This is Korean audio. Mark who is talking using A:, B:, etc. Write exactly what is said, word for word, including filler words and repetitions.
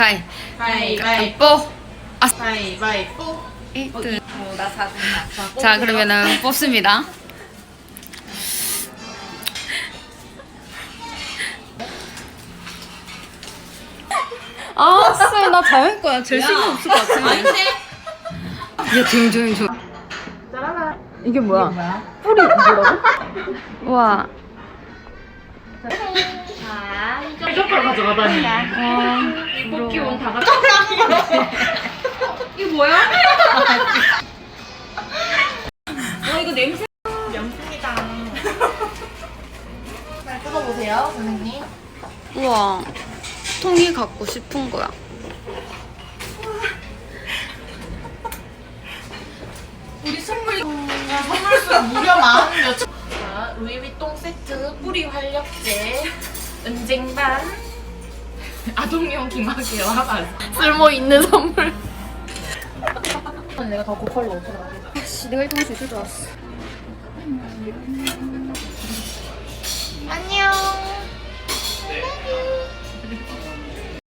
A: 가위.
B: 가위바위보.
A: 아,
B: 가위바위보.
A: 일 등.
B: 어, 나 사 등.
A: 자, 그러면은 뽑습니다. 아, 쎄, 나 자연 거야. 제일 신경 없을 것 같은데.
B: 아닌데?
A: 얘 조용, 조용, 조용. 이게 뭐야?
B: 뭐야?
A: 뿌리 뭐라고? 우와.
B: 자, 젓가락 가져가다니.
A: 와,
B: 뽑기
A: 부러워.
B: 온다 가져. 이거 뭐야? 어, 이거 냄새. 명품이다. 잘 뜯어보세요, 선생님.
A: 우와. 통이 갖고 싶은 거야.
B: 우리 선물 선물수 무려 마흔 몇 천. 자, 루이비통 세트 뿌리 활력제 은쟁반 아동용 기마개와 반 쓸모 있는 선물. 내가 더 고퀄로 오더라고.
A: 씨, 내가 일 등 할 수 있을 줄 알았어.
B: 안녕.